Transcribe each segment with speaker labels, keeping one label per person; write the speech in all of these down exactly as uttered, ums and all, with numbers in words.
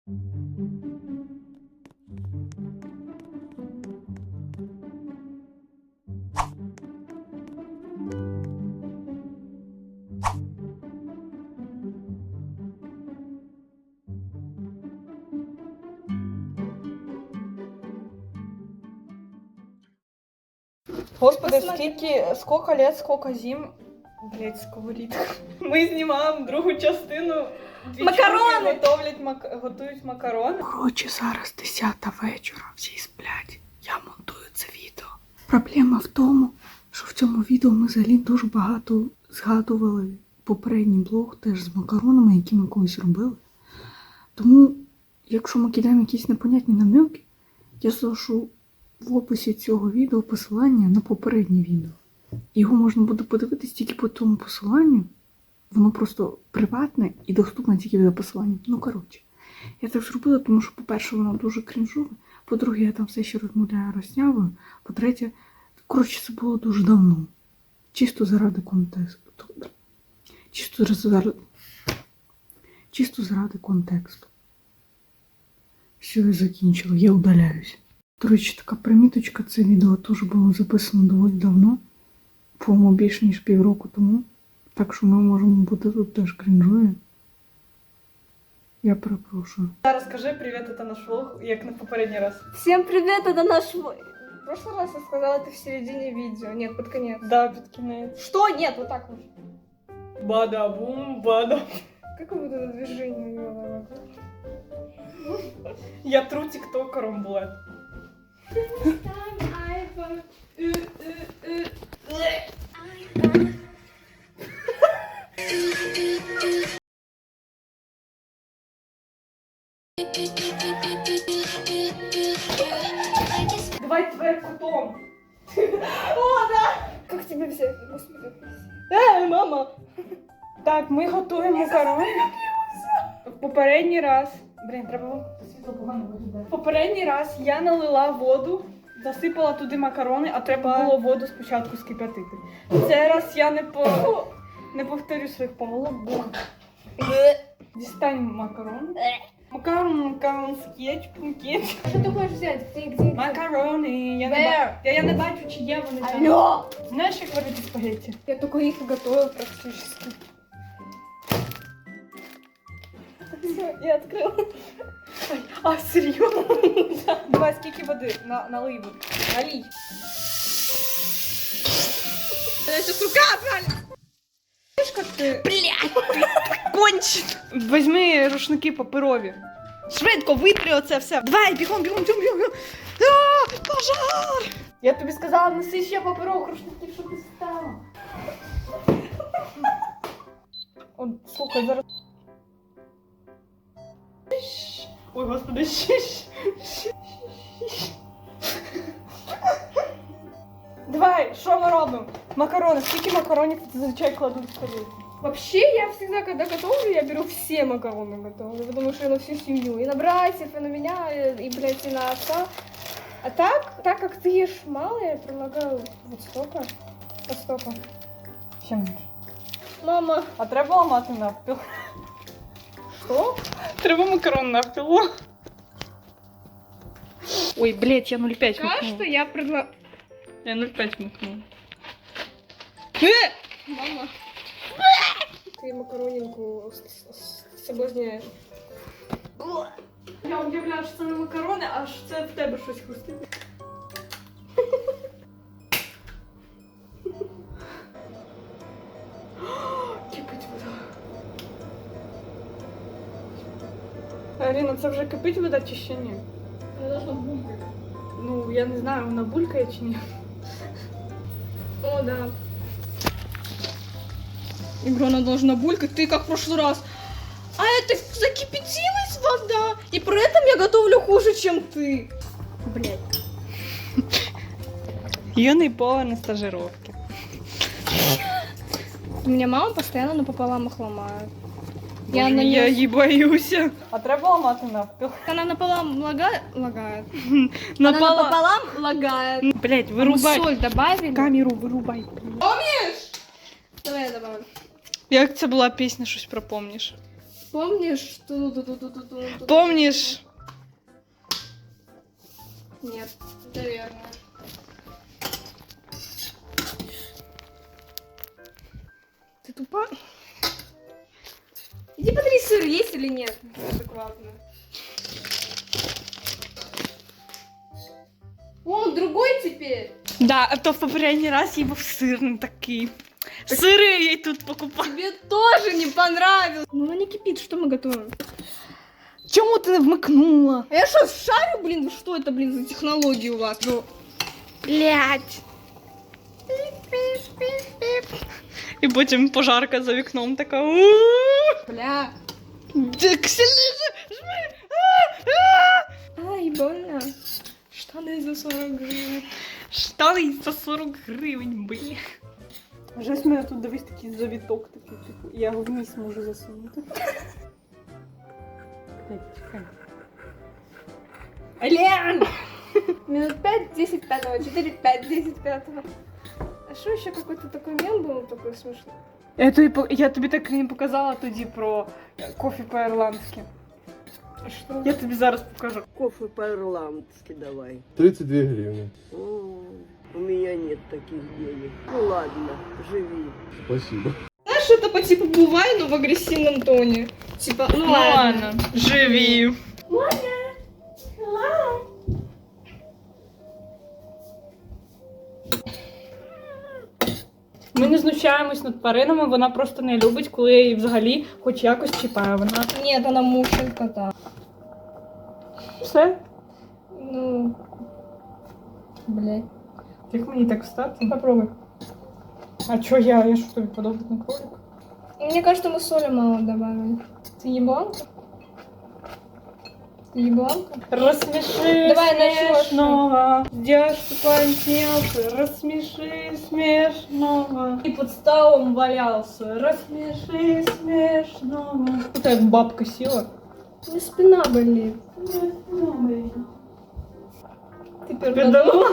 Speaker 1: Господи, скільки, сколько лет, сколько зим. Блять, сковорідка. Ми знімаємо другу частину.
Speaker 2: Макарони!
Speaker 1: Готовлять, мак... готують макарони.
Speaker 3: Коротше, зараз десята вечора, всі сплять. Я монтую це відео. Проблема в тому, що в цьому відео ми взагалі дуже багато згадували попередній блог теж з макаронами, які ми колись робили. Тому, якщо ми кидаємо якісь непонятні намеки, я залишу в описі цього відео посилання на попереднє відео. Його можна буде подивитись тільки по тому посиланню. Воно просто приватне і доступне тільки за посиланням. Ну, коротше. Я так зробила, тому що, по-перше, воно дуже крінжове. По-друге, я там все ще розмовляю роснявою. По-третє, коротше, це було дуже давно. Чисто заради контексту. Чисто заради... Чисто заради контексту. Все, я закінчила. Я удаляюсь. До речі, така приміточка. Це відео теж було записано доволі давно. По-моєму, більше ніж півроку тому. Так що ми можемо бути тут теж крінжові. Я перепрошую.
Speaker 1: Зараз скажи привіт, це наш влог, як на попередній раз.
Speaker 2: Всем привет, это наш... В прошлый раз я сказала это в середине видео. Нет, под конец.
Speaker 1: Да, під кінець.
Speaker 2: Что? Нет, вот так вот.
Speaker 1: Бада-бум, бада.
Speaker 2: Как вот это движение делала?
Speaker 1: Я тру тіктокером, блядь. Давай тверкутом. О, да!
Speaker 2: Как тебя взять? Господи.
Speaker 1: Ей, мама! Так, ми готуємо макарони. В попередній раз. Блін, треба світло погано виглядає. В попередній раз я налила воду, засипала туди макарони, а треба було воду спочатку скип'ятити. Цей раз я не по... не повторю своїх помилок. Дістань макарон. Макарон, макарон з кетчупом, кетчуп.
Speaker 2: Что ты хочешь взять? Где, где? где?
Speaker 1: Макарони. Я не, ба... я, я не бачу, чи є вони там.
Speaker 2: Алло!
Speaker 1: Знаєш, як варити спагетті?
Speaker 2: Я только их и готовила практически. Все, я открыла.
Speaker 1: А, серйозно? Давай, скільки води? На, налий води. Налій.
Speaker 2: Я сейчас рука отвалится.
Speaker 1: Знаєш, як ти... Блядь! Кончен! Візьми рушники паперові. Швидко витри оце все. Давай, бігом, бігом, бігом, бігом. А, пожар! Я тобі сказала, неси ще паперових рушників, щоб ти стала. От, слухай, зараз... Ой, господи, щищ. Давай, що ми робимо? Макарони. Скільки макаронів зазвичай кладуть в тарілку?
Speaker 2: Вообще, я всегда, когда готовлю, я беру все макароны готовлю, потому что я на всю семью. И на братьев, и на меня, и, блядь, и на отца. А так, так как ты ешь мало, я предлагаю вот столько, по столько.
Speaker 1: Ще менше.
Speaker 2: Мама,
Speaker 1: А треба ламати навпіл.
Speaker 2: что?
Speaker 1: Треба макарон навпіл. Ой, блядь, я нуль п'ять
Speaker 2: Пока что
Speaker 1: макнула.
Speaker 2: я предлагаю...
Speaker 1: Я нуль п'ять макнула.
Speaker 2: Мама. Ты макаронинку с- с- соблазняешь.
Speaker 1: Я уявляю, що це не макарони, аж це в тебе щось хрустить. Кипить вода. Аріна, це вже кипить вода чи ще ні?
Speaker 2: Она должна булькать.
Speaker 1: Ну, я не знаю, вона булькає чи ні.
Speaker 2: О, да. Игра, она должна булькать, ты как в прошлый раз. А это закипятилась вода, и при этом я готовлю хуже, чем ты. Блядь.
Speaker 1: Юний повар на стажировке.
Speaker 2: У меня мама постоянно напополам их ломает.
Speaker 1: Я,
Speaker 2: Я на
Speaker 1: я
Speaker 2: неё-
Speaker 1: її боюся. А треба ламати навпіл.
Speaker 2: Она напополам лагает. лагает.
Speaker 1: Напала.
Speaker 2: Она напополам лагает.
Speaker 1: Блять,
Speaker 2: Мы
Speaker 1: вирубай.
Speaker 2: соль добавили.
Speaker 1: Камеру вирубай.
Speaker 2: Давай я добавлю.
Speaker 1: Як це була пісня, щось пропомніш?
Speaker 2: Помнишь? Ту-ду-ду-ду-ду-ду-ду.
Speaker 1: Помнишь?
Speaker 2: Нет, это верно. Ты тупа? Иди посмотри, сыр есть или нет. Адекватно. О, он другой теперь.
Speaker 1: Да, а то в попередній раз їй був сирний такий. Сири я їй тут покупала.
Speaker 2: Тебе тоже не понравилось. Ну, она не кипит, что мы готовим?
Speaker 1: Чому ти не вмикнула?
Speaker 2: А я что, шарю, блин? Что это, блин, за технологии у вас? Ну, блядь.
Speaker 1: І потім пожарка за вікном така. «У-у-у».
Speaker 2: Бля.
Speaker 1: Так сильніше! Жми!
Speaker 2: Ай, больно.
Speaker 1: Штани за сорок гривень. Штани за сорок гривень, блін. Вже з мене тут дивись такий завіток такий, типу, я його вниз можу засунути. Ален!
Speaker 2: Минут пять, десять, пятого, четыре, пять, десять, пятого. А что еще какой-то такой мем был, такой смешной?
Speaker 1: Я тобі, по- я тобі так і не показала тоді про кофе по-ірландськи.
Speaker 2: Что?
Speaker 1: Я тобі зараз покажу.
Speaker 4: Кофе по-ирландски давай.
Speaker 5: тридцать две гривны.
Speaker 4: О, у меня нет таких денег. Ну ладно, живи.
Speaker 5: Спасибо.
Speaker 2: Знаешь, это по типу бывай, но в агрессивном тоне. Типа, ну,
Speaker 1: Ну ладно, живі. Ми не знущаємось над тваринами, вона просто не любить, коли я її взагалі хоч якось чіпаю. Вона
Speaker 2: Нет, она мучает кота.
Speaker 1: все.
Speaker 2: Ну, блядь.
Speaker 1: Як мені так встати?
Speaker 2: Попробуй.
Speaker 1: А чо я? Я що тобі подобається на кролик?
Speaker 2: Мне кажется, мы соли мало добавили. Ты ебланка? Ты ебланка?
Speaker 1: Рассмеши
Speaker 2: Давай начнёшь.
Speaker 1: смешного, девушку помнился, рассмеши смешного. И под столом валялся, рассмеши смешного. Вот так бабка села.
Speaker 2: У меня спина болит. Ты пердала?
Speaker 1: Пердала?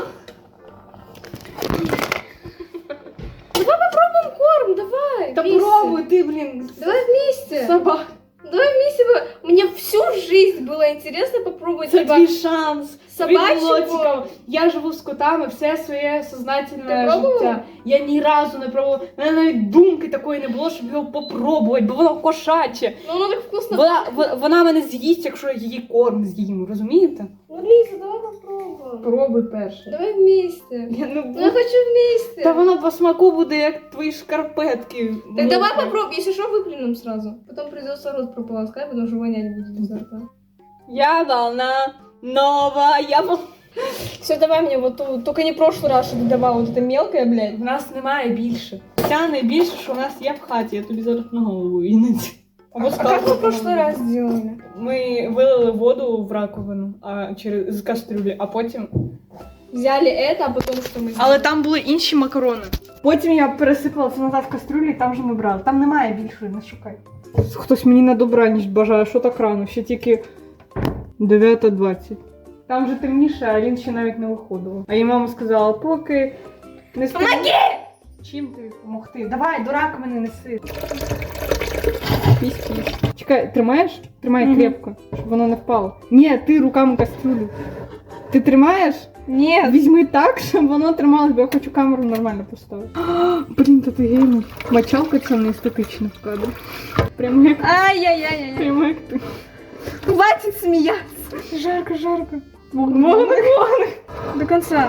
Speaker 2: Давай попробуем корм, давай.
Speaker 1: Да
Speaker 2: вместе.
Speaker 1: пробуй ты, блин,
Speaker 2: Давай вместе.
Speaker 1: собака.
Speaker 2: Давай вместе. бы- Мне всю жизнь было интересно попробовать
Speaker 1: Це
Speaker 2: либо
Speaker 1: твій шанс.
Speaker 2: собачого.
Speaker 1: Тобі було цікаво. Я живу з котами все своє сознательне
Speaker 2: Ти пробувала?
Speaker 1: життя. Я ні разу не пробувала. У мене навіть думки такої не було, щоб його попробувати, бо воно кошаче.
Speaker 2: Ну, оно так вкусно.
Speaker 1: Вона, в- вона мене з'їсть, якщо я її корм з'їм, розумієте?
Speaker 2: Ну, Лиза, давай попробуем.
Speaker 1: Пробуй перше.
Speaker 2: Давай вместе.
Speaker 1: Я не
Speaker 2: Ну, я хочу вместе.
Speaker 1: Та воно по смаку буде як твої шкарпетки.
Speaker 2: Так
Speaker 1: Ну,
Speaker 2: давай попробуем, если что, выплюнем сразу. Потом придется рот прополоскать, потому что вонять будет изо рта.
Speaker 1: Я волна нова, я волна.
Speaker 2: Все, давай мне вот ту, только не прошлый раз, что ты давала вот это мелкое, блядь.
Speaker 1: В нас немає більше. Ця найбільше, що в нас є в хаті, я тобі зараз на голову іноді. Або
Speaker 2: А как мы в прошлый раз сделали?
Speaker 1: Ми вилили воду в раковину а, через з кастрюлі, а потім.
Speaker 2: Взяли это, а потом что мы сделали?
Speaker 1: Але там були інші макарони. Потім я пересипала це назад в кастрюлю і там вже ми брали. Там немає більшої, не шукай. Хтось мені на добраніч бажає, що так рано, ще тільки дев'ята двадцять. Там вже темніше, а Алін ще навіть не виходила. А їй мама сказала, поки не стане... Помоги! Чим тобі допомогти? Давай, до раковини неси. Пісь-пісь. Чекай, тримаєш? Тримай
Speaker 2: Мгм.
Speaker 1: крепко, щоб воно не впало. Ні, ти руками кастрюлю. Ти тримаєш?
Speaker 2: Нет.
Speaker 1: Візьми так, щоб воно трималось, бо я хочу камеру нормально поставити. Блін, та ти геймер. Мочалка це не естетична в кадрі. Прямо як,
Speaker 2: Ай-яй-яй-яй.
Speaker 1: прямо як ти.
Speaker 2: Хватит смеяться.
Speaker 1: Жарко, жарко. Вогник, вогник.
Speaker 2: До конца.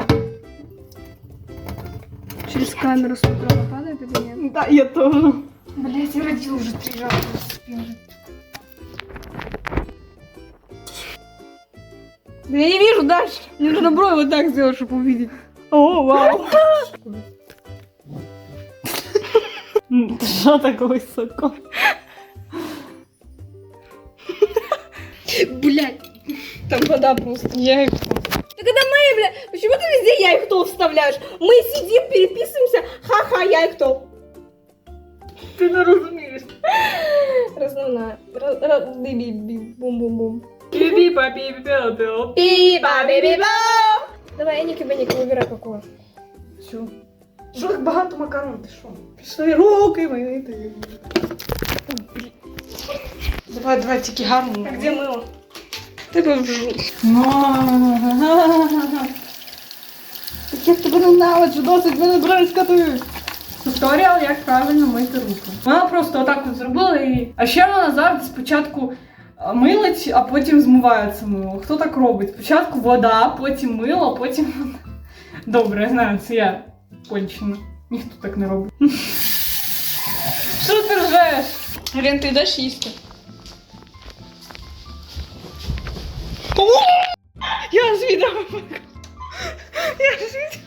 Speaker 2: Через камеру смотрю, она падает или нет?
Speaker 1: Да, я тоже.
Speaker 2: Блять, я родил уже три раза. Да я не вижу дальше. Мне нужно брови вот так сделать, чтобы увидеть.
Speaker 1: О, вау. М, Що так високо?
Speaker 2: Блять. Там вода просто.
Speaker 1: Я їх...
Speaker 2: Так это мои, бля. Почему ты везде я и кто вставляешь? Мы сидим, переписываемся. Ха-ха, я и кто.
Speaker 1: Ти не розумієш.
Speaker 2: Основная. Бум-бум-бум.
Speaker 1: Пі-пі-па, пі-пі-пі-пі.
Speaker 2: Пи-ба-би-би-ба. Давай, Эника, Беника, выбирай какого.
Speaker 1: Що? Що так багато макарон, ти що? Пішли руки мити. Давай, давай, тільки гарно.
Speaker 2: А где мыло?
Speaker 1: Тебе вжу. Так я тебе ненавиджу, досить мене бризкати. Туторіал, як правильно мити руки. Вона просто отак от зробила і... А ще вона завжди спочатку милить, а потім змиває це мило. Хто так робить? Спочатку вода, потім мило, потім... Добре, я знаю, це я кончена. Ніхто так не робить. Що ти ржеш? Рен, ти йдеш їсти? Я ж відео. Я ж відео.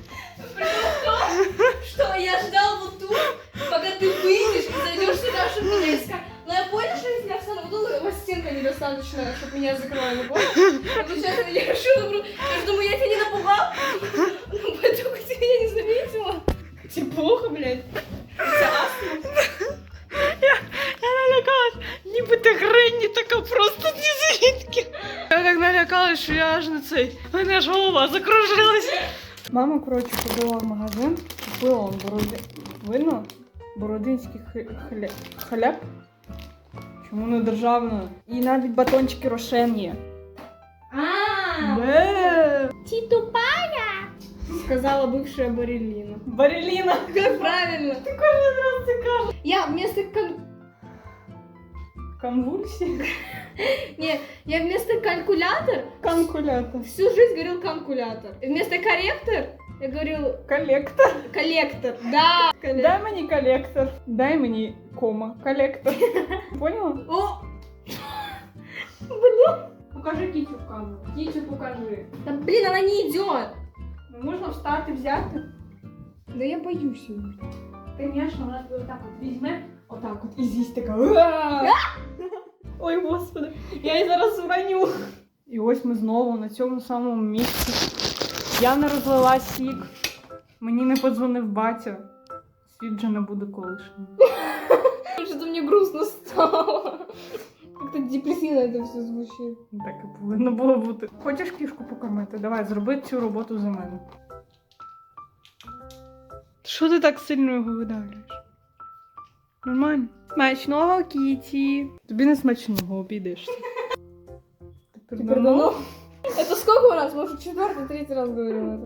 Speaker 2: Что я ждал вот тут, пока ты выйдешь и зайдешь сюда, чтобы меня искать. Но я понял, что если я встану в угол, у вас стенка недостаточно, чтобы меня закрыла, не понял? Получается, я решила, я же думаю, я тебя не напугал, поэтому ты меня не заметила.
Speaker 1: Тебе плохо, блядь? Це астма? Я, я налякалась, ніби ти Гренні така просто ні звідки. Я так налякалась, що я аж на цей, у мене аж голова закружилась. Мама, коротше, ходила в магазин, купила он бороди... вино, бородинський хліб. хліб. Чому не державне? І навіть батончики Рошен є.
Speaker 2: А,
Speaker 1: Бе!
Speaker 2: ты тупая, сказала бывшая Барелина.
Speaker 1: Бареліна.
Speaker 2: Как правильно?
Speaker 1: Ти кожен раз це кажеш.
Speaker 2: Я вместо кон...
Speaker 1: Конвульсії?
Speaker 2: Не, я вместо калькулятор
Speaker 1: Конкулятор.
Speaker 2: всю жизнь говорил калькулятор. И вместо корректор я говорил
Speaker 1: Колектор.
Speaker 2: коллектор. Да, коллектор.
Speaker 1: Дай мені колектор. Дай мені кома. Колектор. Поняла?
Speaker 2: О,
Speaker 1: Покажи кітю в камеру. Кітю покажи.
Speaker 2: да блин, она не идет.
Speaker 1: Ну, можна встати, взяти.
Speaker 2: Да я боюсь ее.
Speaker 1: Звісно, вона тебе отак от візьме, отак от і з'їсть така. «Уа!» Ой, господи, я її зараз враню. І ось ми знову на цьому самому місці. Я не розлила сік. Мені не подзвонив батя. Світ вже не буде колишнім.
Speaker 2: Что-то мне грустно стало. Как-то депрессивно это все звучит.
Speaker 1: Так і повинно було бути. Хочеш кішку покормити? Давай, зроби цю роботу за мене. Що ти так сильно його видавлюєш? Нормально? Смачного, Кіті. Тобі не смачного, обійдешся. Тепер
Speaker 2: Пердонов. Это сколько раз? Может, четвертый, третий раз говорила это.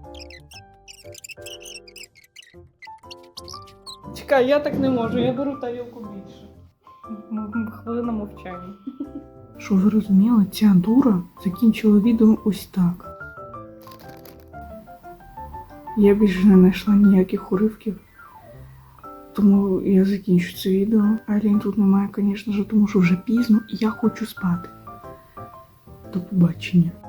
Speaker 1: Чекай, я так не можу, я беру тарілку більше. М- м- Хвилина мовчання.
Speaker 3: Щоб ви розуміли, ця дура закінчила відео ось так. Я більше не знайшла ніяких уривків, тому я закінчу це відео. Айлін тут немає, звісно ж, тому що вже пізно і я хочу спати. До побачення.